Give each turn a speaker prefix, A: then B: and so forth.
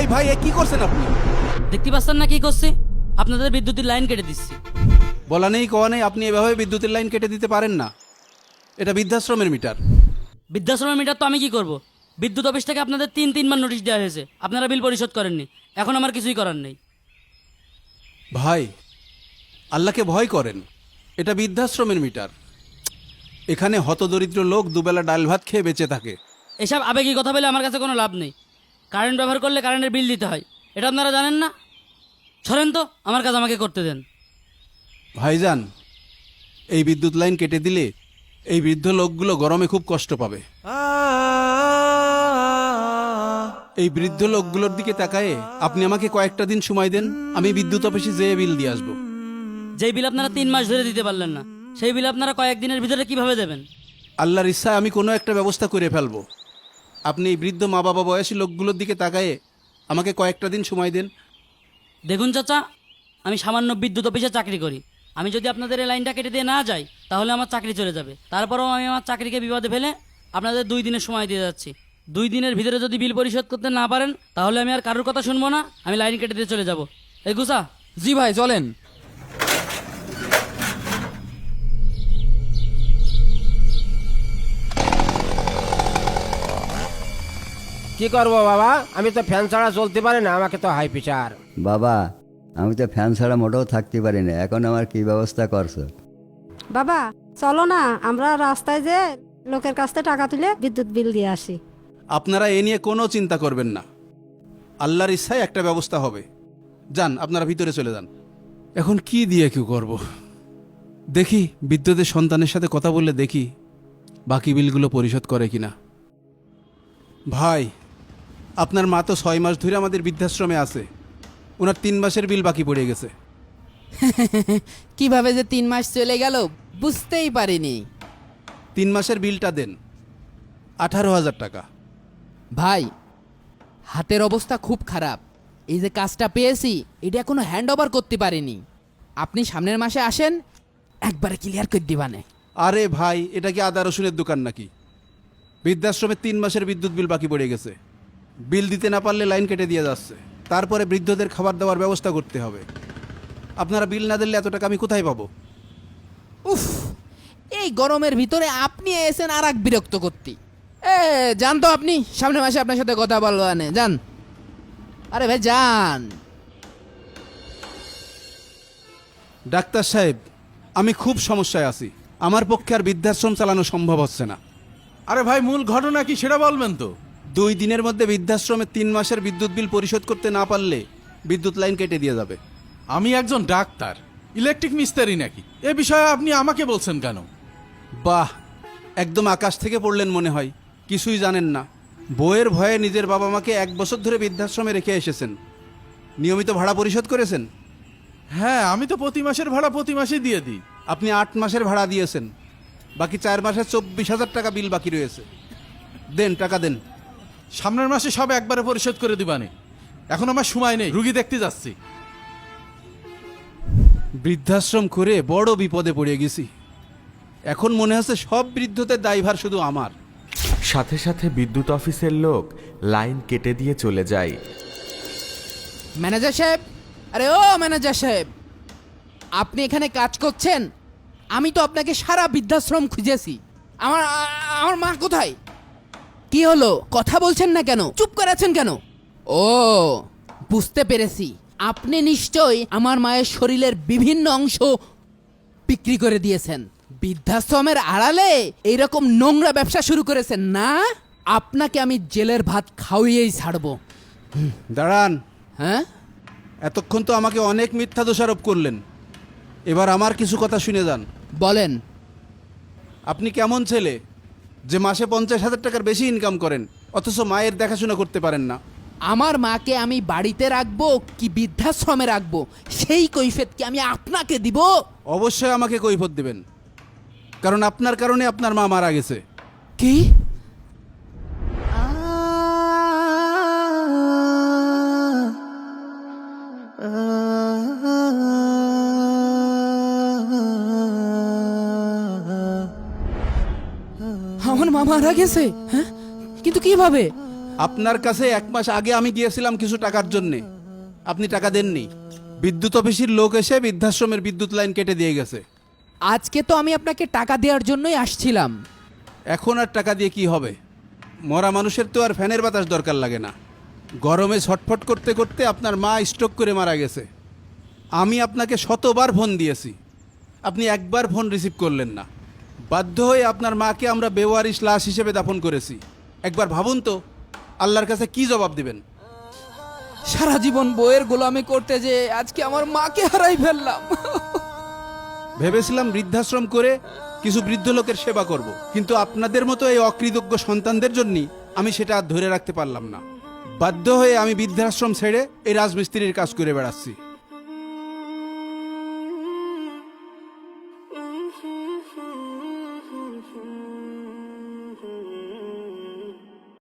A: ভাই এ কি করছেন আপনি?
B: দেখতে পাচ্ছেন না কি করছি? আপনাদের বিদ্যুতের লাইন কেটে দিচ্ছি।
A: বলা নেই কওয়া নেই, আপনি এভাবে বিদ্যুতের লাইন কেটে দিতে পারেন না। এটা বৃদ্ধাশ্রমের মিটার।
B: বৃদ্ধাশ্রমের মিটার তো আমি কি করব? বিদ্যুৎ অফিস থেকে আপনাদের তিনবার নোটিশ দেওয়া হয়েছে, আপনারা বিল পরিশোধ করেননি। এখন আমার কিছুই করার নেই।
A: ভাই, আল্লাহকে ভয় করেন। এটা বৃদ্ধাশ্রমের মিটার। এখানে হতদরিদ্র লোক দুবেলা ডাল ভাত খেয়ে বেঁচে থাকে।
B: এসব আবেগী কথা বলে আমার কাছে কোনো লাভ নেই। কারেন্ট ব্যবহার করলে কারেন্টের বিল দিতে হয়, এটা আপনারা জানেন না? সরেন তো, আমার কাজ আমাকে করতে দেন।
A: ভাইজান, এই বিদ্যুৎ লাইন কেটে দিলে এই বৃদ্ধ লোকগুলো গরমে খুব কষ্ট পাবে। এই বৃদ্ধ লোকগুলোর দিকে তাকায়ে আপনি আমাকে কয়েকটা দিন সময় দেন, আমি বিদ্যুৎ অফিসে যেয়ে বিল দিয়ে আসবো।
B: যেই বিল আপনারা 3 মাস ধরে দিতে পারলেন না, সেই বিল আপনারা কয়েকদিনের ভিতরে কিভাবে দেবেন?
A: আল্লাহর ইচ্ছায় আমি কোনো একটা ব্যবস্থা করে ফেলবো। আপনি এই বৃদ্ধ মা বাবা বয়সী লোকগুলোর দিকে তাকায়ে আমাকে কয়েকটা দিন সময় দেন।
B: দেখুন চাচা, আমি সামান্য বিদ্যুৎ অফিসে চাকরি করি। আমি যদি আপনাদের এই লাইনটা কেটে দিয়ে না যাই, তাহলে আমার চাকরি চলে যাবে। তারপরেও আমি আমার চাকরিকে বিপদে ফেলে আপনাদের 2 দিনের সময় দিয়ে যাচ্ছি। 2 দিনের ভিতরে যদি বিল পরিশোধ করতে না পারেন, তাহলে আমি আর কারোর কথা শুনবো না, আমি লাইন কেটে দিয়ে চলে যাব। এই গুসা।
C: জি ভাই, চলেন।
D: কি করবো বাবা, আমি তো ফ্যান ছাড়া চলতে পারি না, আমাকে তো হাই প্রেশার।
E: বাবা, আমি তো ফ্যান ছাড়া মোটেও থাকতে পারি না, এখন আমার কি ব্যবস্থা করছো?
F: বাবা চলো না, আমরা রাস্তায় যে লোকের কাছ থেকে টাকা তুলে বিদ্যুৎ বিল দিয়ে আসি।
A: আপনারা এ নিয়ে কোনো চিন্তা করবেন না, আল্লাহর ইচ্ছায় একটা ব্যবস্থা হবে। যান, আপনারা ভিতরে চলে যান। এখন কি দিয়ে কি করব? দেখি বিদ্যুতের সন্তানের সাথে কথা বললে দেখি বাকি বিলগুলো পরিশোধ করে কিনা। ভাই, আপনার মা তো 6 মাস ধরে আমাদের বৃদ্ধাশ্রমে আছে, ওনার 3 মাসের বিল বাকি পড়ে গেছে।
C: কিভাবে যে 3 মাস চলে গেল বুঝতেই পারিনি।
A: 3 মাসের বিলটা দেন, 18,000 টাকা।
C: ভাই, হাতের অবস্থা খুব খারাপ। এই যে কাজটা পেয়েছি, এটা এখনো হ্যান্ড ওভার করতে পারিনি। আপনি সামনের মাসে আসেন, একবারে ক্লিয়ার করে দিবানে।
A: আরে ভাই, এটা কি আদা রসুনের দোকান নাকি? বৃদ্ধাশ্রমে 3 মাসের বিদ্যুৎ বিল বাকি পড়ে গেছে। বিল দিতে না পারলে লাইন কেটে দিয়ে যাচ্ছে। তারপরে বৃদ্ধদের খাবার দাবার ব্যবস্থা করতে হবে। আপনারা বিল না দিলে এত টাকা আমি কোথায় পাবো?
C: উফ, এই গরমের ভিতরে আপনি এসেন আর এক বিরক্ত করতে। যান তো আপনি, সামনের মাসে আপনার সাথে কথা বলবো আনে, যান। আরে ভাই যান।
A: ডাক্তার সাহেব, আমি খুব সমস্যায় আছি। আমার পক্ষে আর বৃদ্ধাশ্রম চালানো সম্ভব হচ্ছে না।
G: আরে ভাই, মূল ঘটনা কি সেটা বলবেন তো?
A: 2 দিনের মধ্যে বৃদ্ধাশ্রমে 3 মাসের বিদ্যুৎ বিল পরিশোধ করতে না পারলে বিদ্যুৎ লাইন কেটে দিয়ে যাবে।
G: আমি একজন ডাক্তার, ইলেকট্রিক মিস্ত্রি নাকি? এ বিষয়ে আপনি আমাকে বলছেন কেন?
A: বাহ, একদম আকাশ থেকে পড়লেন মনে হয়, কিছুই জানেন না। বইয়ের ভয়ে নিজের বাবা মাকে 1 বছর ধরে বৃদ্ধাশ্রমে রেখে এসেছেন। নিয়মিত ভাড়া পরিশোধ করেছেন?
G: হ্যাঁ, আমি তো প্রতি মাসের ভাড়া প্রতি মাসে দিয়ে দিই।
A: আপনি 8 মাসের ভাড়া দিয়েছেন, বাকি 4 মাসে 24,000 টাকা বিল বাকি রয়েছে। দেন, টাকা দেন।
G: সামনের মাসে সব একবারে পরিশোধ করে দিবানে। এখন আমার সময় নেই, রুগী দেখতে যাচ্ছি।
A: বৃদ্ধাশ্রম করে বড় বিপদে পড়ে গেছি। এখন মনে হচ্ছে সব বৃদ্ধদের দায়ভার শুধু আমার।
H: সাথে সাথে বিদ্যুৎ অফিসের লোক লাইন কেটে দিয়ে চলে যায়।
C: ম্যানেজার সাহেব, আরে ও ম্যানেজার সাহেব, আপনি এখানে কাজ করছেন? আমি তো আপনাকে সারা বৃদ্ধাশ্রম খুঁজেছি। আমার আমার মা কোথায়? কি হলো, কথা বলছেন না কেন? চুপ করে আছেন কেন? ও, বুঝতে পেরেছি, আপনি নিশ্চয়ই আমার মায়ের শরীরের বিভিন্ন অংশ বিক্রি করে দিয়েছেন। বৃদ্ধাশ্রমের আড়ালে এইরকম নোংরা ব্যবসা শুরু করেছেন না? আপনাকে আমি জেলের ভাত খাওয়িয়েই ছাড়বো।
A: দাঁড়ান।
C: হ্যাঁ,
A: এতক্ষণ তো আমাকে অনেক মিথ্যা দোষারোপ করলেন, এবার আমার কিছু কথা শুনে যান।
C: বলেন।
A: আপনি কেমন ছেলে যে মাসে 50,000 টাকার বেশি ইনকাম করেন, অথচ মায়ের দেখাশোনা করতে পারেন না?
C: আমার মাকে আমি বাড়িতে রাখবো কি বৃদ্ধাশ্রমে রাখবো, সেই কৈফিয়ত কি আমি আপনাকে দিব?
A: অবশ্যই আমাকে কৈফিয়ত দেবেন, কারণ আপনার কারণে আপনার মা মারা গেছে।
C: কি? আমার মা মারা গেছে? হ্যাঁ, কিন্তু কিভাবে?
A: আপনার কাছে 1 মাস আগে আমি গিয়েছিলাম কিছু টাকার জন্যে, আপনি টাকা দেননি। বিদ্যুৎ অফিসের লোক এসে বৃদ্ধাশ্রমের বিদ্যুৎ লাইন কেটে দিয়ে গেছে।
C: আজকে তো আমি আপনাকে টাকা দেওয়ার জন্যই আসছিলাম।
A: এখন আর টাকা দিয়ে কি হবে? মরা মানুষের তো আর ফ্যানের বাতাস দরকার লাগে না। গরমে ছটফট করতে করতে আপনার মা স্ট্রোক করে মারা গেছে। আমি আপনাকে শতবার ফোন দিয়েছি, আপনি একবার ফোন রিসিভ করলেন না। বাধ্য হয়ে আপনার মাকে আমরা বেওয়ারিশ লাশ হিসেবে দাফন করেছি। একবার ভাবুন তো আল্লাহর কাছে কি জবাব দিবেন?
C: সারা জীবন বইয়ের গোলামি করতে যে আজকে আমার মাকে হারাই ফেললাম।
A: ভেবেছিলাম বৃদ্ধাশ্রম করে কিছু বৃদ্ধ লোকের সেবা করব, কিন্তু আপনাদের মতো এই অকৃতজ্ঞ সন্তানদের জন্যই আমি সেটা আর ধরে রাখতে পারলাম না। বাধ্য হয়ে আমি বৃদ্ধাশ্রম ছেড়ে এই রাজমিস্ত্রির কাজ করে বেড়াচ্ছি।